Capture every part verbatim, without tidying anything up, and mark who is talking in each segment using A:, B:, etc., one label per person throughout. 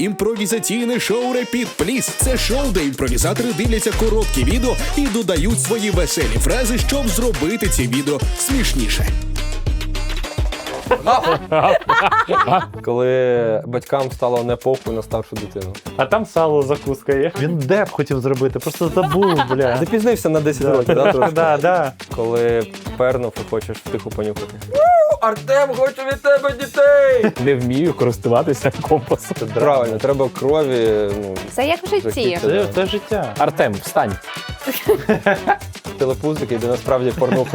A: імпровізаційне шоу Repeat Please. Це шоу, де імпровізатори дивляться короткі відео і додають свої веселі фрази, щоб зробити ці відео смішніше.
B: Коли батькам стало не похуй на старшу дитину.
C: А там сало закуска є. Він деп хотів зробити, просто забув, бля.
B: Запізнився на десять років, да, трошки?
C: Да, да.
B: Коли пернув і хочеш втиху понюхати. Артем, хочу від тебе дітей!
C: Не вмію користуватися компасом.
B: Правильно, треба крові, ну...
D: Це як в житті.
C: Це, це життя.
E: Артем, встань.
B: телепузики, де насправді порнуха.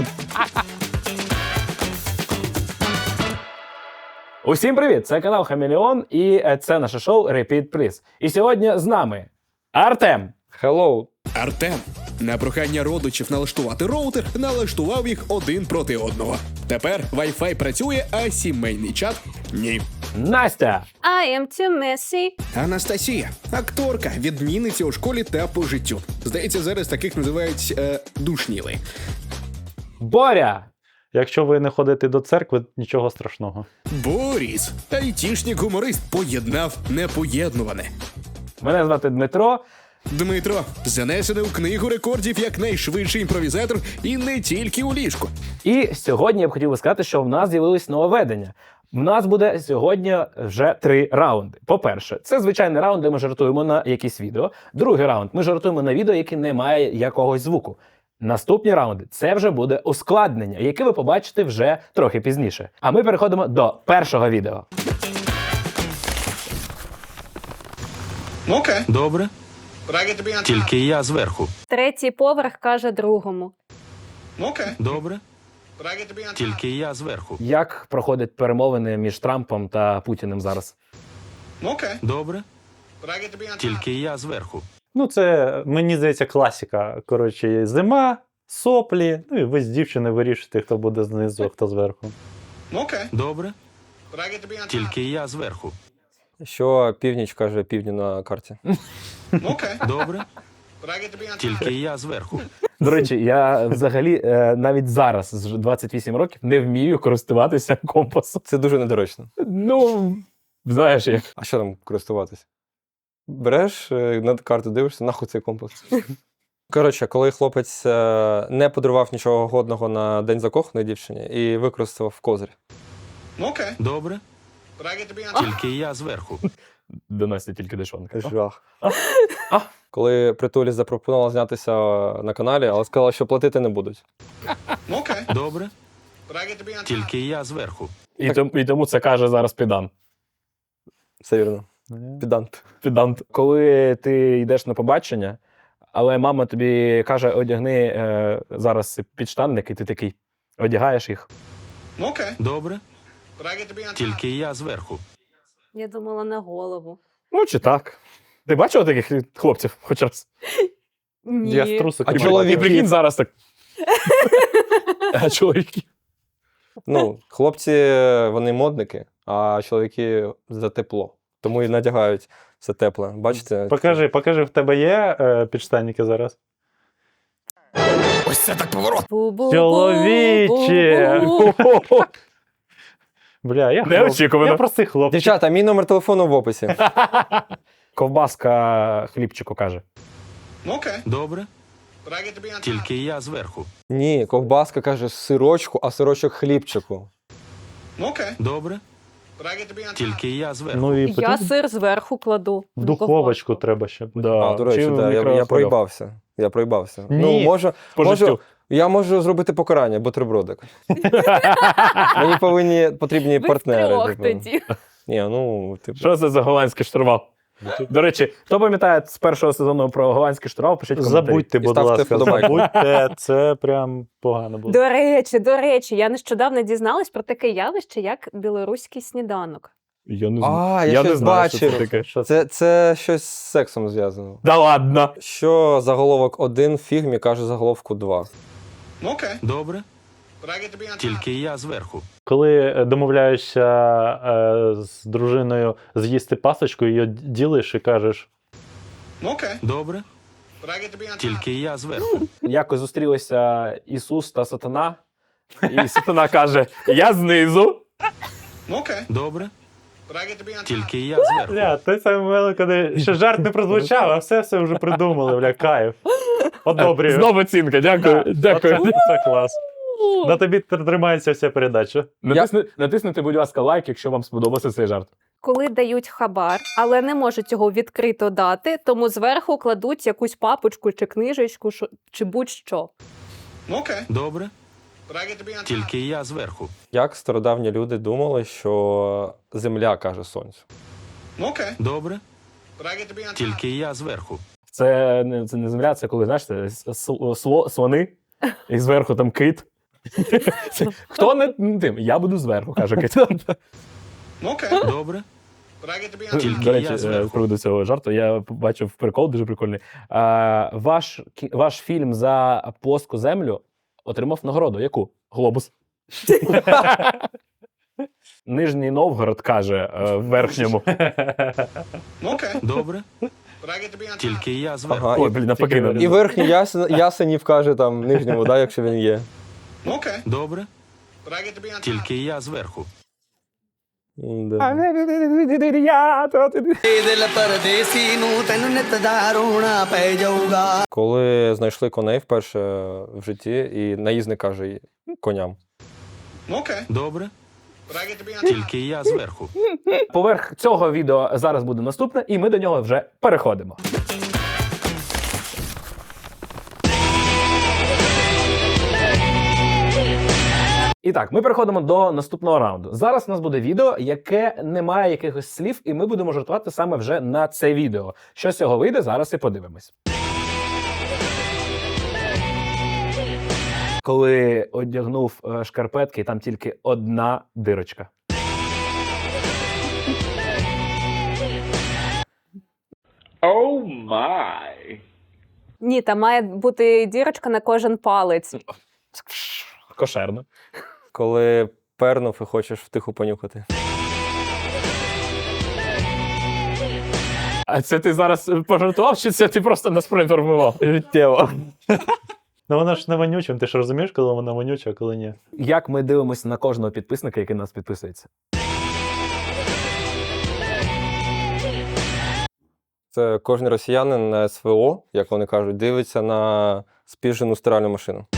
E: Усім привіт! Це канал Хамелеон і це наше шоу Repeat Please. І сьогодні з нами Артем.
B: Hello.
A: Артем на прохання родичів налаштувати роутер налаштував їх один проти одного. Тепер Wi-Fi працює, а сімейний чат – ні.
E: Настя.
D: I am too messy.
A: Анастасія – акторка, відмінниця у школі та по життю. Здається, зараз таких називають е, душніли.
E: Боря.
C: Якщо ви не ходите до церкви, нічого страшного.
A: Боріс – айтішник-гуморист, поєднав непоєднуване.
E: Мене звати Дмитро.
A: Дмитро занесений у книгу рекордів як найшвидший імпровізатор і не тільки у ліжку.
E: І сьогодні я б хотів би сказати, що в нас з'явилось нововведення. В нас буде сьогодні вже три раунди. По-перше, це звичайний раунд, де ми жартуємо на якісь відео. Другий раунд – ми жартуємо на відео, яке не має якогось звуку. Наступні раунди – це вже буде ускладнення, яке ви побачите вже трохи пізніше. А ми переходимо до першого відео.
F: Окей.
G: Добре,
F: Тільки...
G: тільки я зверху.
D: Третій поверх каже другому.
F: Окей.
G: Добре, тільки я зверху.
E: Як проходять перемовини між Трампом та Путіним зараз?
F: Окей.
G: Добре, тільки я зверху.
C: Ну, це, мені здається, класика. Коротше, зима, соплі, ну і ви з дівчини вирішите, хто буде знизу, а хто зверху.
F: Окей.
G: Добре, тільки я зверху.
B: Що північ каже півдню на карті?
F: Окей.
G: Добре, тільки я зверху.
E: До речі, я взагалі е, навіть зараз, з двадцять вісім років, не вмію користуватися компасом.
B: Це дуже недоречно.
E: Ну, знаєш як.
B: А що там користуватись? Береш е, на карту, дивишся, нахуй цей компас. Коротше, коли хлопець е, не подарував нічого годного на день закоханої дівчині і використав козир.
F: Окей.
G: Добре, тільки я зверху.
E: До Насті тільки дешонка.
B: Жах. Коли Притулі запропонувала знятися на каналі, але сказала, що платити не будуть.
F: Окей.
G: Добре, тільки я зверху.
E: І, тому, і тому це каже зараз педант.
B: Все вірно. Підант.
E: Педант. Коли ти йдеш на побачення, але мама тобі каже, одягни е, зараз підштанники, ти такий, одягаєш їх.
F: Окей.
G: Добре, тільки я зверху.
D: Я думала на голову.
E: Ну, чи так. Ти бачила таких хлопців хоч раз?
D: Ні.
C: Я з трусиками.
B: А чоловіки?
E: І прикинь зараз так. А чоловіки?
B: Ну, хлопці, вони модники, а чоловіки за тепло. Тому і надягають все тепле. Бачите?
C: Покажи, покажи, в тебе є е, підштанники зараз?
A: Ось це так поворот!
D: Бу-бу-бу,
C: Чоловіче!
D: бу-бу-бу.
C: Бля, я, хлоп...
E: Неочікувано.
C: я простий хлопчик.
B: Дівчата, мій номер телефону в описі.
E: Ковбаска хлібчику каже.
F: Окей.
G: Добре, тільки я зверху.
B: Ні, ковбаска каже сирочку, а сирочок хлібчику.
F: Окей.
G: Добре, тільки я зверху.
C: Ну, і
D: Я
C: потрібно-
D: сир зверху кладу.
C: в духовочку треба ще.
E: Да.
B: А, до речі,
E: Чи в
B: да, я, я
E: мікрохвильовку.
B: проїбався. Я проїбався.
C: Ні.
B: Ну, можу,
E: По
B: можу,
E: життю.
B: я можу зробити покарання, бутербродик. Мені повинні, потрібні
D: Ви
B: партнери.
D: втрьох
B: типу.
D: тоді.
B: Ні, ну, типу.
E: Що це за голландський штурвал? До речі, хто пам'ятає з першого сезону про голландський штурвал, пишіть коментарі.
C: Забудьте,
B: І
C: будь
B: ставте
C: ласка,
B: вподобайку.
C: забудьте, це прям погано було.
D: До речі, до речі, я нещодавно дізналась про таке явище, як білоруський сніданок.
E: Я не
B: А, я
E: я не
B: щось
E: знаю, що це
B: бачив.
E: таке.
C: Що це?
B: Це, це щось з сексом зв'язано.
E: Да ладно.
B: Що заголовок один в фігмі каже заголовку два.
F: Окей.
G: Добре, тільки я зверху.
C: Коли е, домовляєшся е, з дружиною з'їсти пасочку, її ділиш і кажеш,
F: Окей.
G: Добре, тільки я зверху.
E: Якось зустрілися Ісус та Сатана, і Сатана каже, я знизу.
F: Окей.
G: Добре,
F: But I get to be on top.
G: Тільки я зверху.
C: Бля, той самий момент, коли ще жарт не прозвучав, а все все вже придумали, бля, кайф. Одобрюю.
E: Знову оцінка, дякую.
C: Да,
E: Дякую.
C: Оце, це клас. На тобі тримається вся передача.
E: Натисни, натиснете, будь ласка, лайк, якщо вам сподобався цей жарт.
D: Коли дають хабар, але не можуть цього відкрито дати, тому зверху кладуть якусь папочку чи книжечку, шо- чи будь-що.
F: Okay.
G: Добре,
F: But I get to be on top.
G: тільки я зверху.
B: Як стародавні люди думали, що земля каже сонцю.
F: Okay.
G: Добре,
F: But I get to be on top.
G: тільки я зверху.
E: Це не, це не земля, це коли, знаєш, це с- с- сло, слони, і зверху там кит. Це- Хто не тим? Я буду зверху, каже кит.
F: Okay.
G: Добре,
F: But I get to be on top.
G: Тільки
E: До речі,
G: я
E: е,
G: зверху.
E: з приводу цього жарту, я побачив прикол дуже прикольний. А, ваш, кі- ваш фільм за плоску землю отримав нагороду. Яку? Глобус. Нижній Новгород каже е, в верхньому.
F: Okay.
G: добре,
F: But I get to be on top.
G: тільки я зверху.
B: Ага,
E: Ой,
B: і,
E: блін, навпаки.
C: Тільки-
B: і верхній ясен, ясенів каже там нижньому, да, якщо він є.
F: Okay.
G: Добре,
F: But I get to be on top.
G: тільки я зверху.
B: М-да.
H: ਦਿਲ ਪਰਦੇਸੀ ਨੂੰ ਤੈਨੂੰ ਨਿਤ ਦਾ ਰੋਣਾ ਪੈ ਜਾਊਗਾ
B: Коли знайшли коней вперше в житті, і наїзник каже їй- коням.
F: Okay.
G: Добре,
F: But I get to be on top.
G: тільки я зверху.
E: Поверх цього відео зараз буде наступне, і ми до нього вже переходимо. І так, ми переходимо до наступного раунду. Зараз у нас буде відео, яке не має якихось слів, і ми будемо жартувати саме вже на це відео. Що з цього вийде, зараз і подивимось. Коли одягнув е, шкарпетки, там тільки одна дирочка.
D: Ні, там має бути дірочка на кожен палець.
E: Кошерно.
B: Коли пернув і хочеш втиху понюхати.
E: А це ти зараз пожартував, чи це ти просто нас проінформував? Життєво.
C: Ну вона ж не вонюча, ти ж розумієш, коли вона вонюча, а коли ні.
E: Як ми дивимося на кожного підписника, який нас підписується?
B: Це кожен росіянин на ес ве о, як вони кажуть, дивиться на спіжену стиральну машину.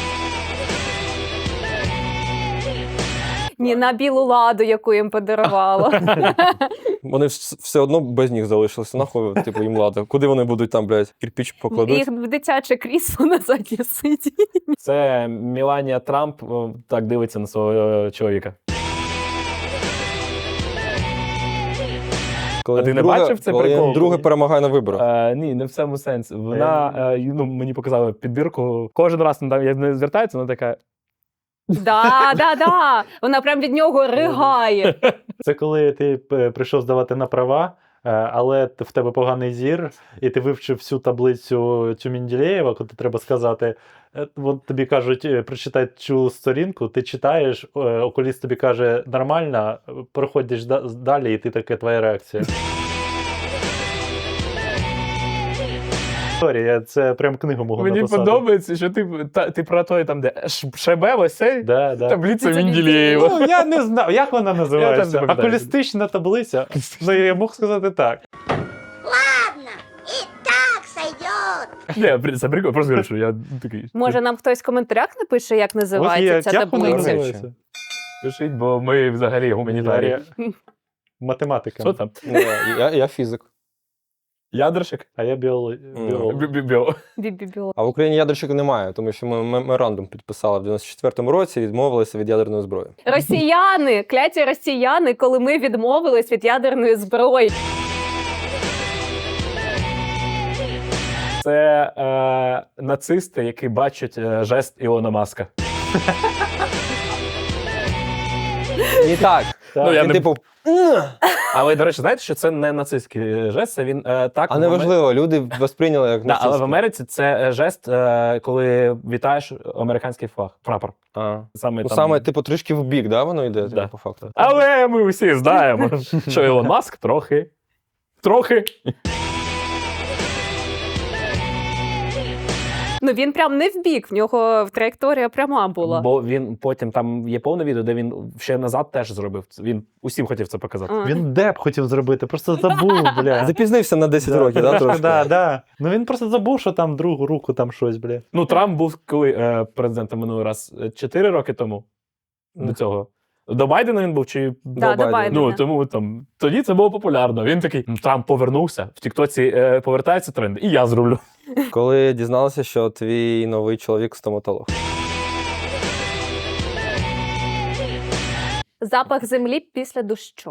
D: Ні, на білу ладу, яку їм подарувало.
B: Вони вс- все одно без них залишилися. Нахуй, типу, їм лада. Куди вони будуть там, блядь, кирпіч покладуть?
D: Їх в дитяче крісло на заднє сидіння.
E: Це Меланія Трамп о, так дивиться на свого е, чоловіка.
B: Коли
E: А ти
B: він
E: не
B: друге-
E: бачив це
B: коли
E: прикол?
B: він друге перемагає на виборах.
E: Е, ні, не в цьому сенсі. Вона е, ну, мені показала підбірку. Кожен раз вона там, як не звертається, вона така.
D: Да, да, да. Вона прям від нього ригає.
C: Це коли ти е, прийшов здавати на права, е, але т- в тебе поганий зір, і ти вивчив всю таблицю цю Менделєєва, коли треба сказати. е, От тобі кажуть, е, прочитай цю сторінку, ти читаєш, е, окуліст тобі каже нормально, е, проходиш да- далі, і ти таке твоя реакція. Історія, це прям книгу можу
E: Мені
C: написати.
E: подобається, що ти, та, ти про той там, де Ш- Шебе, ось цей
C: Да, да.
E: таблиця
D: Це
E: Менделєєва.
C: Ну, я не знаю, як вона називається.
E: Я теж не пам'ятаю.
C: Окулістична таблиця. Ну, я мог сказати так.
I: Ладно, и так сойдет.
E: Ні, при- це прикольно, просто говорю, що я такий.
D: Може, нам хтось в коментарях напише, як
C: Ось
D: називається
C: є,
D: ця
C: як вона
D: таблиця?
C: називається?
E: Пишіть, бо ми взагалі гуманітарії.
C: Дар'я. Математика.
E: Що там?
B: Ну, я, я фізик.
E: Ядерщик?
C: А я біолог. біолог.
E: Бі-бі-біо.
D: Бі-бі-бі.
B: А в Україні ядерщиків немає, тому що ми меморандум підписали в дев'яносто четвертому році і відмовилися від ядерної зброї.
D: Росіяни, кляті росіяни, коли ми відмовились від ядерної зброї.
E: Це е, нацисти, які бачать е, жест Ілона Маска.
B: І так.
E: Ну, я
B: Він,
E: не-
B: типу,
E: Але, до речі, знаєте, що це не нацистський жест, це він е, так.
B: а
E: в
B: неважливо, люди восприйняли як
E: Амер- Да, але в
B: нацистський.
E: Америці це е, жест, е, коли вітаєш американський флаг, прапор.
B: А.
E: Саме,
B: Ну,
E: там...
B: саме, типу, трішки в бік, да, воно йде,
E: Да.
B: типу, по факту.
E: Але ми всі знаємо, що Ілон Маск трохи. Трохи.
D: Ну він прям не в бік, в нього траєкторія пряма була.
E: Бо він потім там є повне відео, де він ще назад теж зробив. це. Він усім хотів це показати.
D: А.
C: Він деп хотів зробити, просто забув, бля.
B: Запізнився на десять
C: Да,
B: років, да, трошки?
C: Да, да. Ну він просто забув, що там другу руку там щось, бля.
E: Ну, Трамп був коли е, президентом минулий раз чотири роки тому до цього. До Байдена він був чи
D: Да, до Байдена.
E: Ну, тому там тоді це було популярно. Він такий: «Ну, Трамп повернувся, в Тіктоці е, повертається тренд, і я зроблю.
B: Коли дізналася, що твій новий чоловік стоматолог.
D: Запах землі після дощу.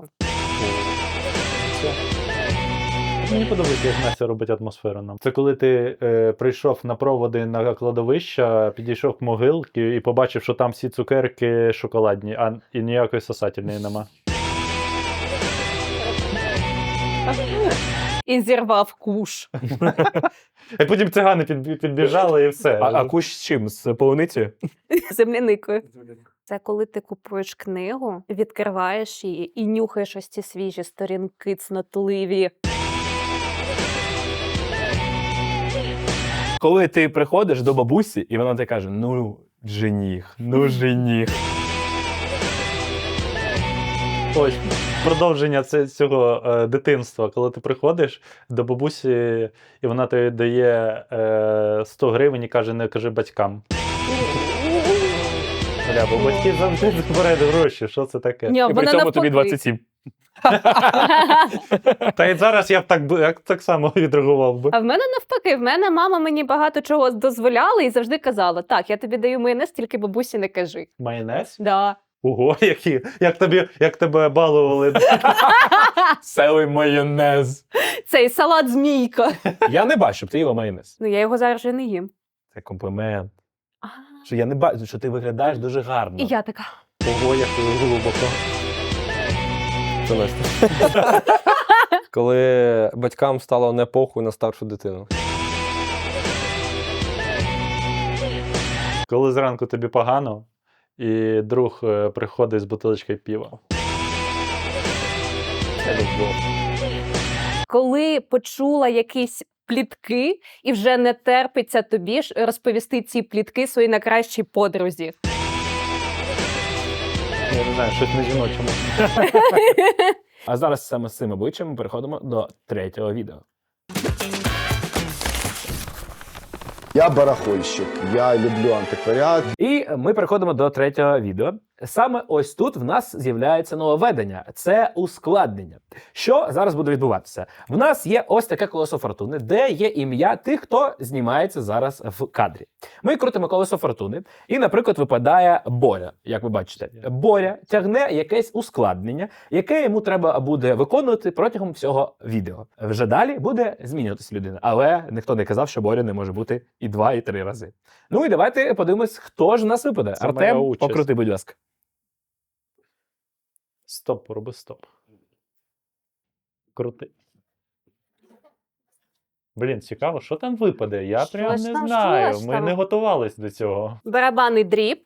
C: Мені подобається, як Настя робить атмосферу нам. Це коли ти е, прийшов на проводи на кладовище, підійшов к могилці і побачив, що там всі цукерки шоколадні, а і ніякої сосательної нема.
D: І зірвав куш.
C: І потім цигани під, підбіжали і все.
E: А, а кущ з чим? З полуницею?
D: Земляникою. Це коли ти купуєш книгу, відкриваєш її і нюхаєш ось ці свіжі сторінки цнотливі.
E: Коли ти приходиш до бабусі, і вона тобі каже: ну, жених, ну, жених.
C: Ось продовження це, цього е, дитинства, коли ти приходиш до бабусі, і вона тобі дає е, сто гривень і каже, не кажи батькам. Бля, бо батьки завжди збирають гроші, що це таке?
D: Ні,
E: І при
D: вона
E: цьому
D: навпаки.
E: тобі двадцять сім.
C: Та й зараз я б так, би- я б так само відреагував би.
D: А в мене навпаки, в мене мама мені багато чого дозволяла і завжди казала: так, я тобі даю майонез, тільки бабусі не кажи.
C: Майонез?
D: Да.
C: Ого, які, як, тобі, як тебе балували.
E: Селий майонез.
D: Цей салат змійка.
E: Я не бачу, щоб ти їла майонез.
D: Ну я його зараз вже не їм.
E: Це комплімент.
D: А,
E: Що я не бачу, що ти виглядаєш дуже гарно.
D: І я така.
C: Ого, як глибоко.
B: Це Настя. Коли батькам стало не похуй на старшу дитину.
C: Коли зранку тобі погано, і друг е, приходить з бутилочкою пива. Це любов.
D: Коли почула якісь плітки і вже не терпиться тобі ж розповісти ці плітки своїй найкращій подрузі.
C: Я не знаю, щось на жіночому.
E: А зараз саме з цим обличчям ми переходимо до третього відео.
J: Я барахольщик, я люблю антикваріат.
E: І ми переходимо до третього відео. Саме ось тут в нас з'являється нововведення. Це ускладнення. Що зараз буде відбуватися? В нас є ось таке колесо фортуни, де є ім'я тих, хто знімається зараз в кадрі. Ми крутимо колесо фортуни, і, наприклад, випадає Боря, як ви бачите. Боря тягне якесь ускладнення, яке йому треба буде виконувати протягом всього відео. Вже далі буде змінюватися людина, але ніхто не казав, що Боря не може бути і два, і три рази. Ну і давайте подивимось, хто ж у нас випаде.
C: Це моя
E: Артем,
C: участь.
E: покрути, будь ласка.
C: Стоп, роби стоп. Крути. Блін, цікаво, що там випаде? Я
D: Що
C: прям
D: ж
C: не
D: там,
C: знаю.
D: що ж
C: Ми
D: там?
C: не готувались до цього.
D: Барабанний дріб.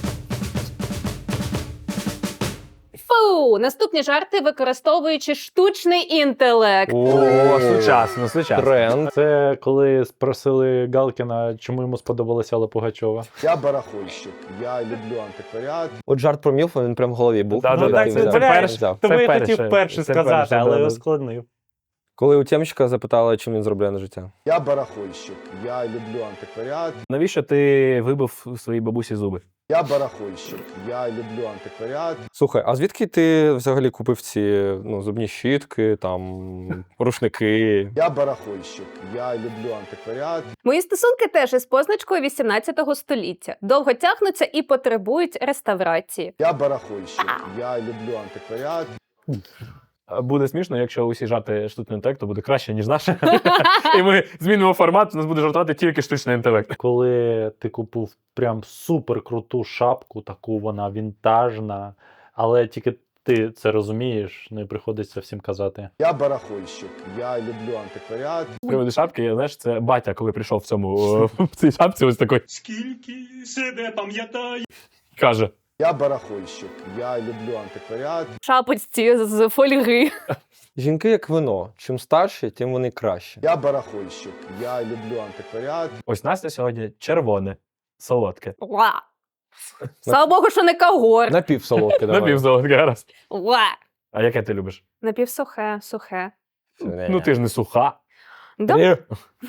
D: Фу! Наступні жарти, використовуючи штучний інтелект.
E: О, сучасно, сучасно.
B: Тренд.
C: Це коли спросили Галкіна, чому йому сподобалася Алла Пугачова.
J: Я барахольщик, я люблю антикваріат.
B: От жарт про Мілфа, він прям в голові був.
E: Да,
C: Ну
E: да,
C: так,
E: це-
C: це,
E: це
C: бля,
E: перше.
B: взяв.
C: тому
E: Це
C: я
E: перше,
C: хотів перше
E: це
C: сказати,
E: перше,
C: але
E: да, да.
C: ускладнив.
B: Коли у Тємчика запитали, чим він заробляє на життя.
J: Я барахольщик, я люблю антикваріат.
E: Навіщо ти вибив своїй бабусі зуби?
J: Я барахольщик, я люблю антикваріат.
B: Слухай, а звідки ти взагалі купив ці ну, зубні щітки, там, рушники?
J: Я барахольщик, я люблю антикваріат.
D: Мої стосунки теж із позначкою вісімнадцятого століття. Довго тягнуться і потребують реставрації.
J: Я барахольщик, я люблю антикваріат.
E: Буде смішно, якщо усі жарти штучний інтелект, то буде краще, ніж наше. І ми змінимо формат, у нас буде жартувати тільки штучний інтелект.
C: Коли ти купив прям супер круту шапку, таку вона вінтажна, але тільки ти це розумієш, ну і приходиться всім казати.
J: Я барахольщик, я люблю антикваріат.
E: З приводу шапки, я, знаєш, це батя, коли прийшов в цьому, о, в цій шапці, ось такий,
F: Скільки себе пам'ятаю.
E: каже.
J: Я барахольщик, я люблю антикваріат.
D: В шапочці з фольги.
B: Жінки як вино. Чим старші, тим вони краще.
J: Я барахольщик, я люблю антикваріат.
E: Ось Настя сьогодні червоне, солодке.
D: Ла. Слава Богу, що не кагор.
B: Напівсолодке давай.
E: Напівсолодке, гаразд.
D: Ла.
E: А яке ти любиш?
D: Напівсухе, сухе.
E: Ну ти ж не суха.
D: Да?
E: Ні.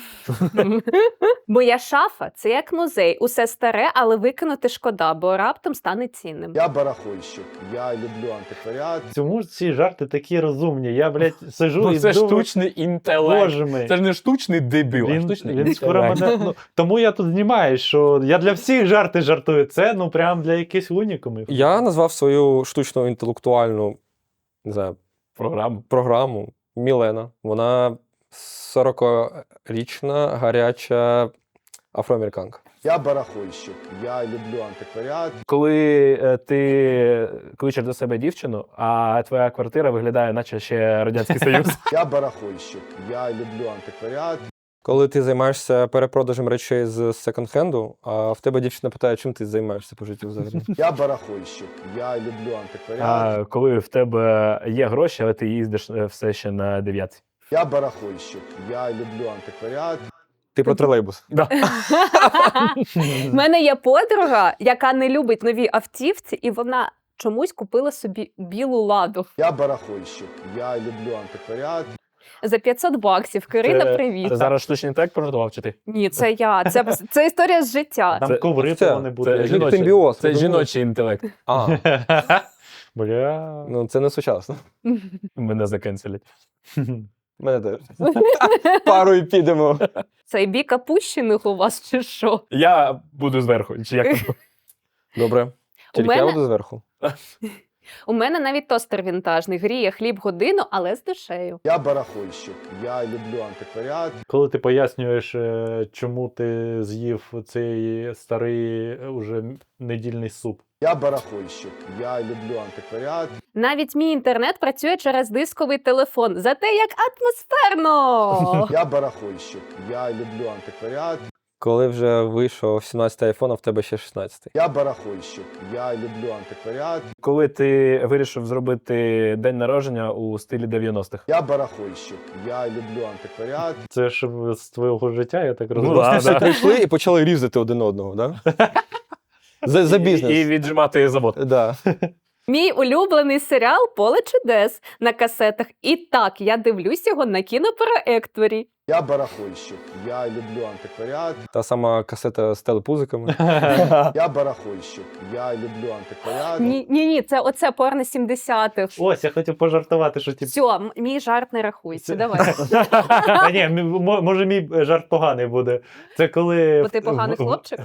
D: Моя шафа – це як музей. Усе старе, але викинути шкода, бо раптом стане цінним.
J: Я барахольщик, я люблю антикваріат.
C: Чому ж ці жарти такі розумні? Я, блядь, сижу
E: Ну
C: і
E: це
C: думаю,
E: штучний інтелект.
C: боже мій.
E: Це ж не штучний дебіл, а
C: Він,
E: штучний
C: він скоро
E: інтелект.
C: мене, ну, тому я тут знімаю, що я для всіх жарти жартую. Це, ну, прям для якихось унікумів.
B: Я назвав свою штучну інтелектуальну, не знаю,
E: Програму.
B: програму Мілена. Вона сорокарічна, гаряча афроамериканка.
J: Я барахольщик, я люблю антикваріат.
E: Коли е, ти кличеш до себе дівчину, а твоя квартира виглядає, наче ще Радянський Союз.
J: Я барахольщик, я люблю антикваріат.
B: Коли ти займаєшся перепродажем речей з секонд-хенду, а в тебе дівчина питає, чим ти займаєшся по життю взагалі?
J: Я барахольщик, я люблю антикваріат.
E: А коли в тебе є гроші, але ти їздиш е, все ще на дев'ятці.
J: Я барахольщик, я люблю антикваріат.
B: Ти про тролейбус.
D: У мене є подруга, яка не любить нові автівці, і вона чомусь купила собі білу ладу.
J: Я барахольщик, я люблю антикваріат.
D: За п'ятсот баксів. Кирина,
E: Це-
D: привіт.
E: Це зараз штучний інтелект пожартував, чи ти?
D: Ні, це я. Це, це історія з життя.
C: Там
E: Це-
C: коври
B: це-
C: повинні бути.
E: Це жіночий,
B: симбіоз,
E: це
B: я думаю.
E: жіночий інтелект.
B: А,
C: Бля.
B: ну це не сучасно.
E: Мене закенселять.
B: Мене теж. Парою підемо.
D: Це бік опущених у вас чи що?
E: Я буду зверху. Чи як там?
B: Добре. Тільки
D: мене-
B: я буду зверху.
D: У мене навіть тостер вінтажний. Гріє хліб годину, але з душею.
J: Я барахольщик, я люблю антикваріат.
C: Коли ти пояснюєш, е, чому ти з'їв цей старий е, уже недільний суп.
J: Я барахольщик, я люблю антикваріат.
D: Навіть мій інтернет працює через дисковий телефон. Зате як атмосферно!
J: Я барахольщик, я люблю антикваріат.
B: Коли вже вийшов сімнадцятий айфон, а в тебе ще шістнадцятий.
J: Я барахольщик, я люблю антикваріат.
E: Коли ти вирішив зробити день народження у стилі дев'яностих.
J: Я барахольщик, я люблю антикваріат.
C: Це ж з твого життя, я так розумію.
E: Ну, да,
B: Всі
E: да.
B: прийшли і почали різати один одного, да? За, за бізнес.
E: І віджимати завод.
B: Да.
D: Мій улюблений серіал «Поле чудес» на касетах. І так, я дивлюсь його на кінопроекторі.
J: Я барахольщик, я люблю антикваріат.
B: Та сама касета з телепузиками.
J: Я барахольщик, я люблю антикваріат.
D: Ні, ні, ні, це оце порно сімдесятих.
C: Ось, я хотів пожартувати, що типу.
D: Все, м- мій жарт не рахується.
C: Це-
D: Давай.
C: Та ні, м- мо- може мій жарт поганий буде. Це коли.
D: Бо ти поганий хлопчик.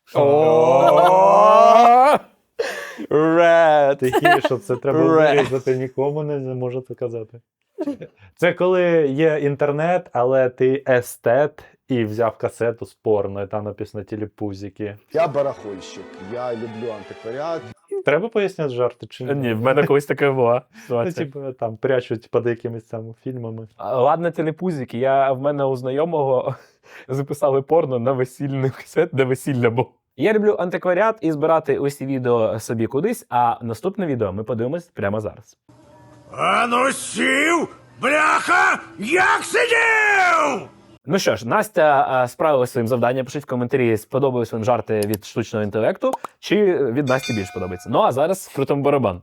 B: Ред.
C: Тихіше, це треба
B: Ре.
C: вирізати, нікому не можу це казати. Це коли є інтернет, але ти естет і взяв касету з порно, і там написано телепузики.
J: Я барахольщик, я люблю антикваріат.
C: Треба поясняти жарти чи ні?
E: Ні, в мене колись така була
C: Ну,
E: ситуація.
C: типу, там прячуть під якимись там фільмами.
E: А, Ладно, телепузики. Я в мене у знайомого записали порно на весільний касет, де весілля було. Я люблю антикваріат і збирати усі відео собі кудись, а наступне відео ми подивимось прямо зараз.
G: Ану сів! Бляха! Як сидів!
E: Ну що ж, Настя а, справила своїм завданням. Пишіть в коментарі, сподобались вам жарти від штучного інтелекту, чи від Насті більш подобається. Ну а зараз крутимо барабан.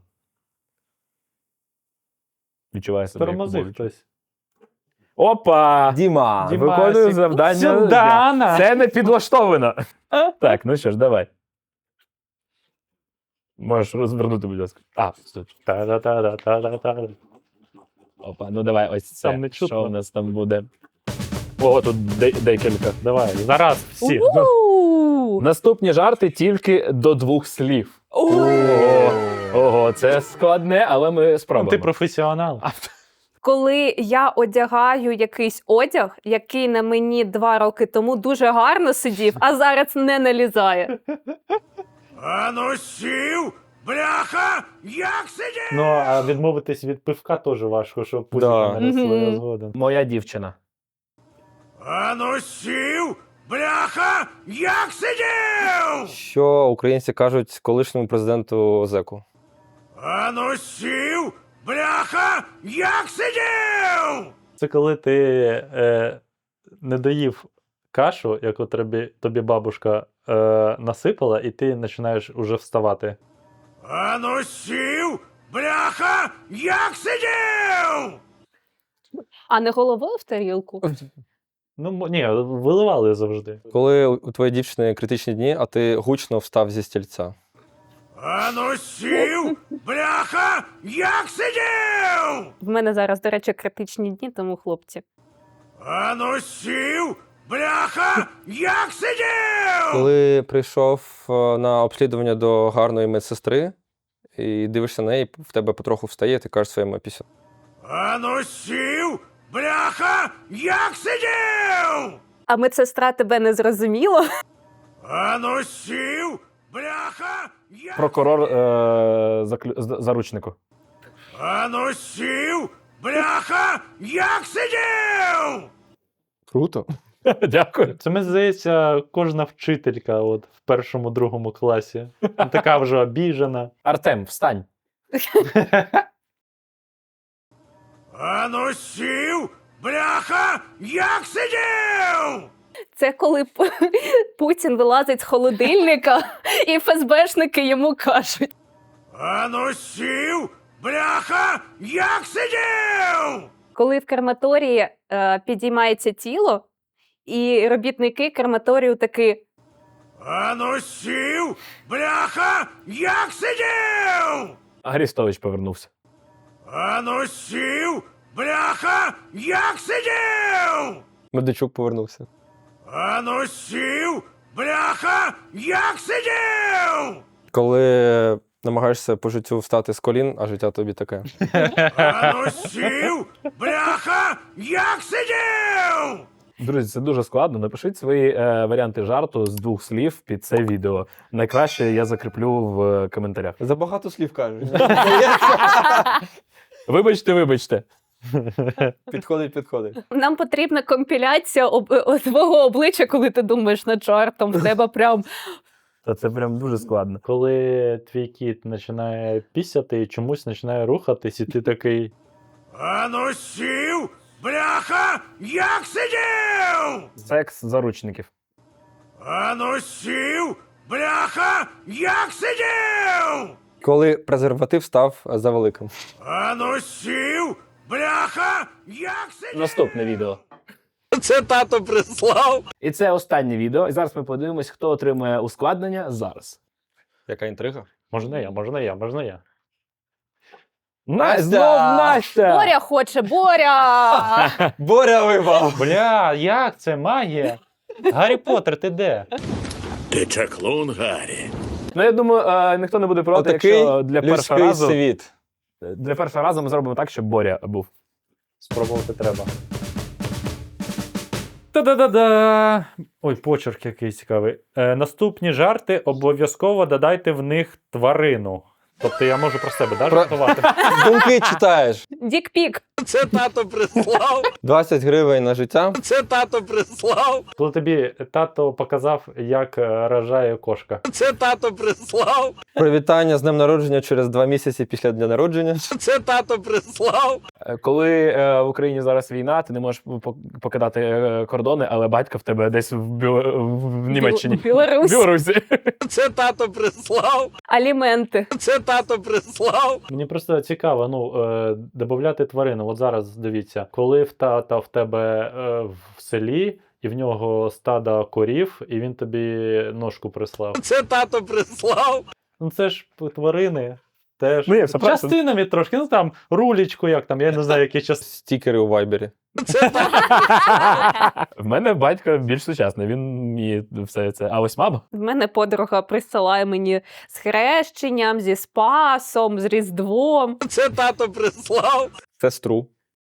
E: Відчуваю себе. як
C: Тормозив
E: Кубович.
C: хтось.
E: Опа!
B: Діма.
C: Діма.
E: Виконую
C: Дімасік.
E: завдання.
C: Сюдана!
E: Це не підлаштовано. Так, ну що ж, давай. Можеш розвернути, будь ласка. А, стоп.
C: Та-да-та-да-та-да-та.
E: Опа, ну давай, ось це.
C: Там не чутно.
E: Що у нас там буде? Ого, тут де- декілька.
C: Давай, зараз всі.
D: У-у-у!
E: Наступні жарти тільки до двох слів. Ого, ого, це складне, але ми спробуємо.
C: Ти професіонал.
D: Коли я одягаю якийсь одяг, який на мені два роки тому дуже гарно сидів, а зараз не налізає.
G: Ану сів! Бляха! Як сидів!
C: Ну, а відмовитись від пивка теж важко, щоб пузіка
B: Да.
C: не росли
D: Мгм.
C: згодом.
E: Моя дівчина.
G: Ану сів! Бляха! Як сидів!
B: Що українці кажуть колишньому президенту Озеку?
G: Ану сів! бляха, як сидів!
C: Це коли ти е, не доїв кашу, яку тобі, тобі бабушка е, насипала, і ти починаєш уже вставати.
G: А ну сів, бляха, як сидів!
D: А не головою в тарілку.
C: Ну, м- ні, виливали завжди.
B: Коли у у твоєї дівчини критичні дні, а ти гучно встав зі стільця.
G: А ну сів, бляха, як сидів!
D: В мене зараз, до речі, критичні дні, тому хлопці.
G: А ну сів, бляха, як сидів!
B: Коли прийшов е, на обслідування до гарної медсестри і дивишся на неї, в тебе потроху встає, ти кажеш своєму пісю.
G: А ну сів, бляха, як сидів!
D: А медсестра тебе не зрозуміла?
G: А ну сів, бляха, як...
E: Прокурор е, заклю... з- заручнику.
G: А ну сів, бляха, як сидів!
B: Круто.
E: Дякую.
C: Це, мені здається, кожна вчителька от, в першому-другому класі. Ну, така вже обіжена.
E: Артем, встань.
G: А ну сів, бляха, як сидів!
D: Це коли П- Путін вилазить з холодильника, і ФСБшники йому кажуть.
G: А ну сів, бляха, як сидів!
D: Коли в крематорії е, підіймається тіло, і робітники крематорію таки:
G: А ну сів, бляха, як сидів!
E: Арістович повернувся.
G: А ну сів, бляха, як сидів!
B: Медведчук повернувся.
G: А ну сів, бляха, як сидів!
B: Коли намагаєшся по життю встати з колін, а життя тобі таке.
G: А ну сів, бляха, як сидів!
E: Друзі, це дуже складно. Напишіть свої е, варіанти жарту з двох слів під це відео. Найкраще я закріплю в е, коментарях.
B: Забагато слів кажеш.
E: Вибачте, вибачте.
B: Підходить, підходить.
D: нам потрібна компіляція об, о, твого обличчя, коли ти думаєш над жартом. В тебе прям
E: Та це прям дуже складно.
C: Коли твій кіт починає пісяти і чомусь починає рухатись, і ти такий.
G: А ну сів, бляха, як сидів!
E: Секс заручників.
G: А ну сів, бляха, як сидів!
B: Коли презерватив став за великим.
G: А ну сів, бляха, як сидів!
E: Наступне відео.
G: Це тато прислав.
E: І це останнє відео. І зараз ми подивимось, хто отримує ускладнення зараз.
B: Яка інтрига?
C: Можна я, можна я, можна я.
E: Настя! Знов Настя!
D: Боря хоче, Боря!
B: Боря вибав!
C: Бля, як це магія? Гаррі Поттер, ти де?
G: Ти чаклун, Гаррі.
E: Ну, я думаю, е, ніхто не буде проти,
B: Отакий
E: якщо для першого
B: людський
E: разу,
B: світ.
E: для першого разу ми зробимо так, щоб Боря був.
C: Спробувати треба. Та-да-да-да! Ой, почерк який цікавий. Е, наступні жарти обов'язково додайте в них тварину. Тобто я можу про себе да,
B: Про-
C: жартувати.
B: Думки читаєш.
D: Дікпік.
G: Це тато прислав.
B: двадцять гривень на життя.
G: Це тато прислав.
C: Коли тобі тато показав, як е, рожає кошка.
G: Це тато прислав.
B: Привітання з днем народження через два місяці після дня народження.
G: Це тато прислав.
E: Е, Коли е, в Україні зараз війна, ти не можеш по- покидати е, кордони, але батько в тебе десь в, Бі- в Німеччині.
D: Білорусь.
E: Білорусі.
G: Це тато прислав.
D: Аліменти.
G: Це тато прислав.
C: Мені просто цікаво, ну, е, додати тварину. От зараз дивіться, коли в тата в тебе е, в селі, і в нього стадо корів, і він тобі ножку прислав.
G: Це тато прислав.
C: Ну це ж тварини. Теж.
E: Ну, є, все правильно.
C: Частинами трошки, ну там рулічку, як там, я не знаю, які частини.
B: Стікери у вайбері.
G: Це тато.
E: В мене батько більш сучасний, він вміє все це. А ось мама?
D: В мене подруга присилає мені з хрещенням, зі Спасом, з Різдвом.
G: Це тато прислав.
B: Сестру.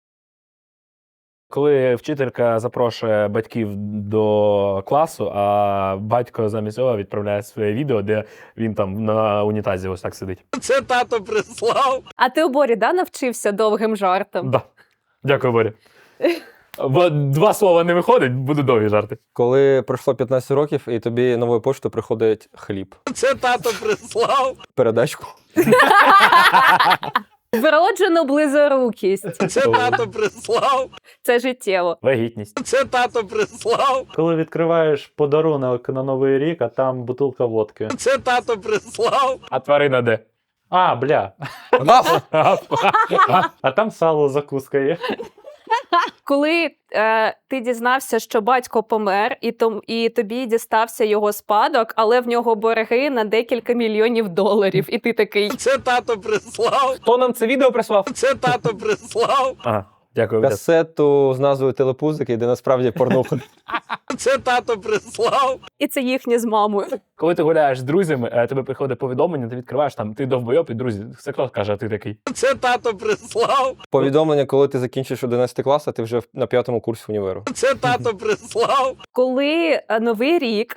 E: Коли вчителька запрошує батьків до класу, а батько замість цього відправляє своє відео, де він там на унітазі ось так сидить.
G: Це тато прислав.
D: А ти у Борі, да, навчився довгим жартом?
E: Да. Дякую, Боря. Бо два слова не виходить, буду довгі жарти.
B: Коли пройшло п'ятнадцять років і тобі новою поштою приходить хліб.
G: Це тато прислав.
B: Передачку.
D: Вроджену близорукість.
G: Це тато прислав.
D: Це життєво.
E: Вагітність.
G: Це тато прислав.
C: Коли відкриваєш подарунок на Новий рік, а там бутилка водки.
G: Це тато прислав.
E: А тварина де?
C: А, бля. А там сало закуска є.
D: Коли е, ти дізнався, що батько помер, і, том, і тобі дістався його спадок, але в нього борги на декілька мільйонів доларів. І ти такий.
G: Це тато прислав.
E: Хто нам це відео прислав?
G: Це тато прислав.
E: Ага, дякую. Вітас.
B: Касету з назвою Телепузики, де насправді порнуха.
G: Це тато прислав.
D: І це їхнє з мамою.
E: Коли ти гуляєш з друзями, е, тебе приходить повідомлення, ти відкриваєш там, ти довбойоб, і друзі, це хто каже, а ти такий.
G: Це тато прислав.
B: Повідомлення, коли ти закінчиш одинадцятий клас, а ти вже на п'ятому курсі універу.
G: Це тато прислав.
D: Коли е, Новий рік,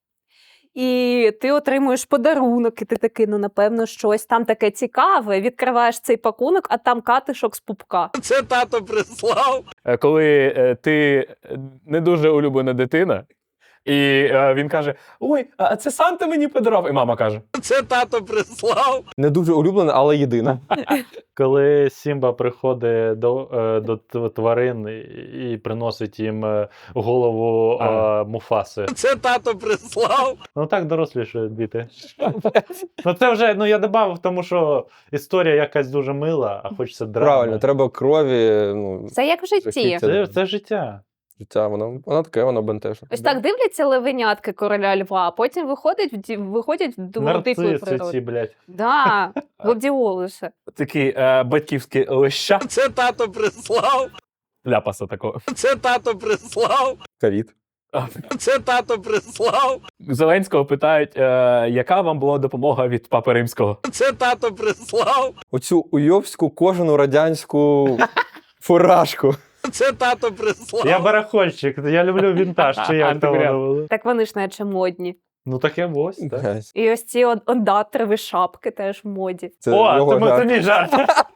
D: і ти отримуєш подарунок, і ти такий, ну, напевно, щось там таке цікаве. Відкриваєш цей пакунок, а там катишок з пупка.
G: Це тато прислав.
E: Е, Коли е, ти е, не дуже улюблена дитина, і е, він каже: ой, а це Санта мені подарував. І мама каже:
G: Це тато прислав.
B: Не дуже улюблена, але єдина.
C: Коли Сімба приходить до, е, до т- тварин і, і приносить їм е, голову е,
E: А.
C: Муфаси.
G: Це тато прислав.
C: Ну так дорослішають діти. Ну це вже, ну я додав, тому що історія якась дуже мила, а хочеться драми.
B: Правильно, треба крові. Ну,
D: Це як в житті.
B: жахіття.
C: Це, це життя.
B: Життя, воно, воно таке, воно бентежне.
D: Ось так дивляться левенятки короля льва, а потім виходять в ді- виходять в ду- дикої
C: Нарциси ці,
D: природи.
C: блядь.
D: Да, гладіолуси.
E: такий е, батьківський леща,
G: Це тато прислав.
E: ляпаса такого.
G: Це тато прислав.
B: Ковід.
G: Це тато прислав.
E: Зеленського питають, е, яка вам була допомога від Папи Римського?
G: Це тато прислав.
B: Оцю уйобську кожану радянську фуражку.
G: Це тато прислав.
C: Я барахольщик, я люблю вінтаж, чи як там
E: Антикваріат.
C: воно було.
D: Так вони ж наче модні.
C: Ну таке ось, так.
B: Блядь,
D: І ось ці он- ондатрові шапки теж в моді.
B: Це
C: О,
B: його
C: це, мо- це
B: жарт.
C: мій жарт.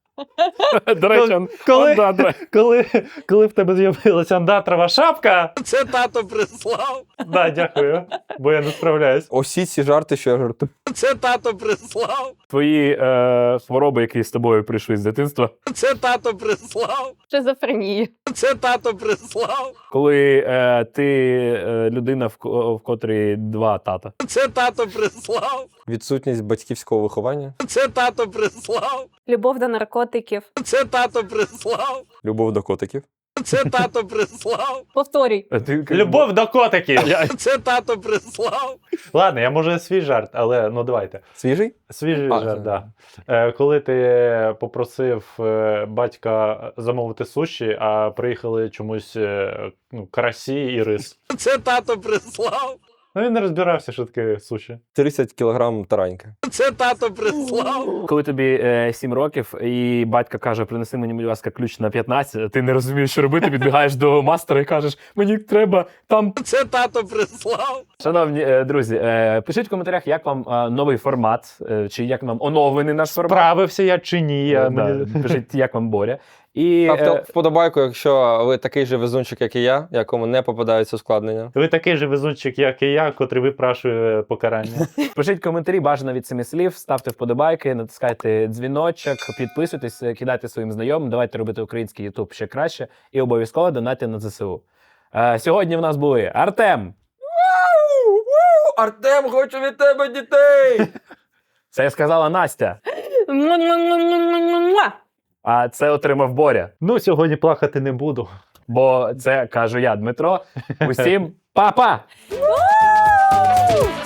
E: До речі, он-
C: Коли,
E: он, да, да.
C: коли, коли в тебе з'явилася андатрова шапка,
G: Це тато прислав.
C: да, дякую, бо я не справляюсь.
B: Усі ці жарти, що я жартую.
G: Це тато прислав.
E: Твої е, хвороби, які з тобою прийшли з дитинства,
G: Це тато прислав.
D: Шизофренії.
G: Це тато прислав.
E: коли е, ти е, людина, в, ко- в котрій два тата.
G: Це тато прислав.
B: Відсутність батьківського виховання,
G: Це тато прислав.
D: Любов до наркотиків.
G: Це тато прислав.
B: любов до котиків.
G: Це тато прислав.
D: Повторюй.
E: А ти-
C: Любов до котиків.
G: Це тато прислав.
C: Ладно, я може свій жарт, але ну давайте.
B: Свіжий?
C: Свіжий
B: А,
C: жарт,
B: це-
C: да. Е, коли ти попросив е, батька замовити суші, а приїхали чомусь е, ну, карасі і рис.
G: Це тато прислав.
C: Ну він не розбирався, що таке суші.
B: тридцять кілограм тараньки.
G: Це тато прислав.
E: Коли тобі е, сім років, і батько каже: принеси мені, будь ласка, ключ на п'ятнадцять, ти не розумієш, що робити, підбігаєш до мастера і кажеш: мені треба там.
G: Це тато прислав.
E: Шановні е, друзі, е, пишіть в коментарях, як вам е, новий формат, е, чи як вам оновлений наш формат.
C: Справився я чи ні. Я,
E: Е, да,
C: мені...
E: Пишіть, як вам Боря. І
B: Ставте
E: е,
B: вподобайку, якщо ви такий же везунчик, як і я, якому не попадаються ускладнення.
C: Ви такий же везунчик, як і я, котрий випрашує покарання.
E: пишіть коментарі, бажано від семи слів, ставте вподобайки, натискайте дзвіночок, підписуйтесь, кидайте своїм знайомим, давайте робити український Ютуб ще краще і обов'язково донатьте на ЗСУ. Е, сьогодні в нас були Артем.
B: Артем, хочу від тебе дітей!
E: Це сказала Настя.
D: Муа-муа-муа-муа-муа.
E: А це отримав Боря.
C: Ну, сьогодні плакати не буду.
E: Бо це кажу я, Дмитро. Усім па-па!
D: Вау!